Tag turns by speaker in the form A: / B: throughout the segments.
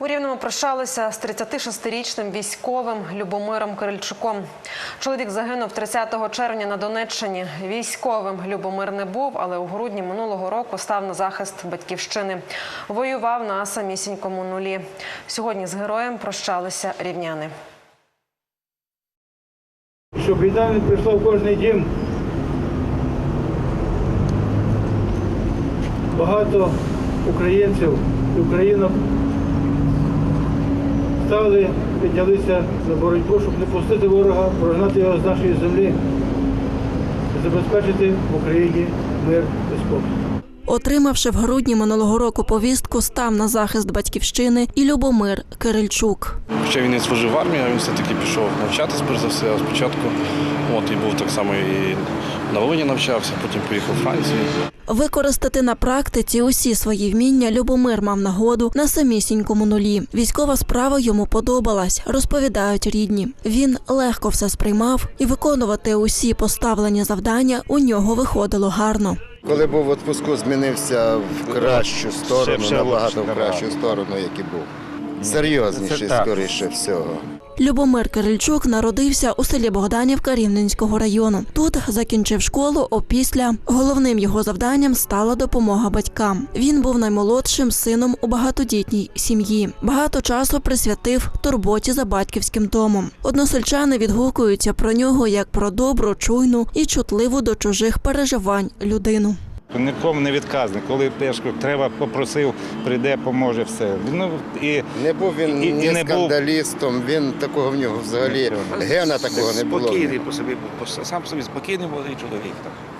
A: У Рівному прощалися з 36-річним військовим Любомиром Кирильчуком. Чоловік загинув 30 червня на Донеччині. Військовим Любомир не був, але у грудні минулого року став на захист батьківщини. Воював на самісінькому нулі. Сьогодні з героєм прощалися рівняни.
B: Щоб війна не прийшла в кожний дім. Багато українців і українок стали, піднялися за боротьбу, щоб не пустити ворога, прогнати його з нашої землі і забезпечити в Україні мир і спокій.
C: Отримавши в грудні минулого року повістку, став на захист батьківщини і Любомир Кирильчук.
D: Хоча він не служив в армії, він все-таки пішов навчатись, перш за все, спочатку. І був так само і на Волині навчався, потім поїхав у Францію.
C: Використати на практиці усі свої вміння Любомир мав нагоду на самісінькому нулі. Військова справа йому подобалась, розповідають рідні. Він легко все сприймав і виконувати усі поставлені завдання у нього виходило гарно.
E: Коли був у відпуску, змінився в кращу сторону, набагато в кращу сторону, як і був. Серйозніший, скоріше всього.
C: Любомир Кирильчук народився у селі Богданівка Рівненського району. Тут закінчив школу, опісля головним його завданням стала допомога батькам. Він був наймолодшим сином у багатодітній сім'ї. Багато часу присвятив турботі за батьківським домом. Односельчани відгукуються про нього як про добру, чуйну і чутливу до чужих переживань людину.
F: Нікому не відказний. Коли треба, попросив, прийде, поможе, все.
E: Не був він ні скандалістом, він такого в нього взагалі гена такого не було.
G: Спокійний по собі, сам собі спокійний молодий чоловік.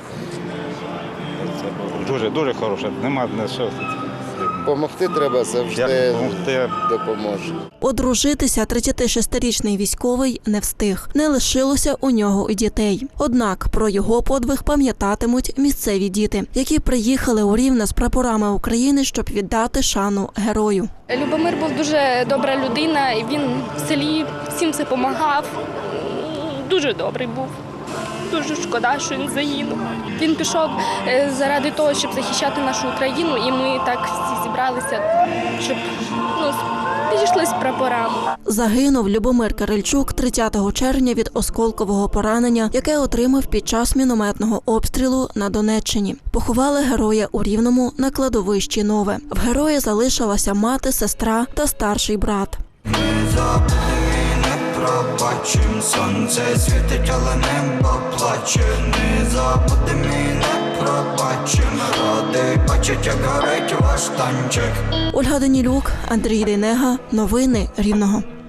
F: Дуже хороше, нема на що.
E: Помогти треба завжди, допоможе.
C: Одружитися 36-річний військовий не встиг. Не лишилося у нього і дітей. Однак про його подвиг пам'ятатимуть місцеві діти, які приїхали у Рівне з прапорами України, щоб віддати шану герою.
H: Любомир був дуже добра людина, і він в селі всім це допомагав. Дуже добрий був. Дуже шкода, що він загинув. Він пішов заради того, щоб захищати нашу Україну, і ми так всі зібралися, щоб підійшли з прапорами.
C: Загинув Любомир Кирильчук 30 червня від осколкового поранення, яке отримав під час мінометного обстрілу на Донеччині. Поховали героя у Рівному на кладовищі Нове. В героя залишилася мати, сестра та старший брат.
I: Пробачим, сонце світить, але небо плаче. Не забудем і не пробачим. Радий бачить, як горить ваш танчик.
C: Ольга Данілюк, Андрій Дейнега. Новини Рівного.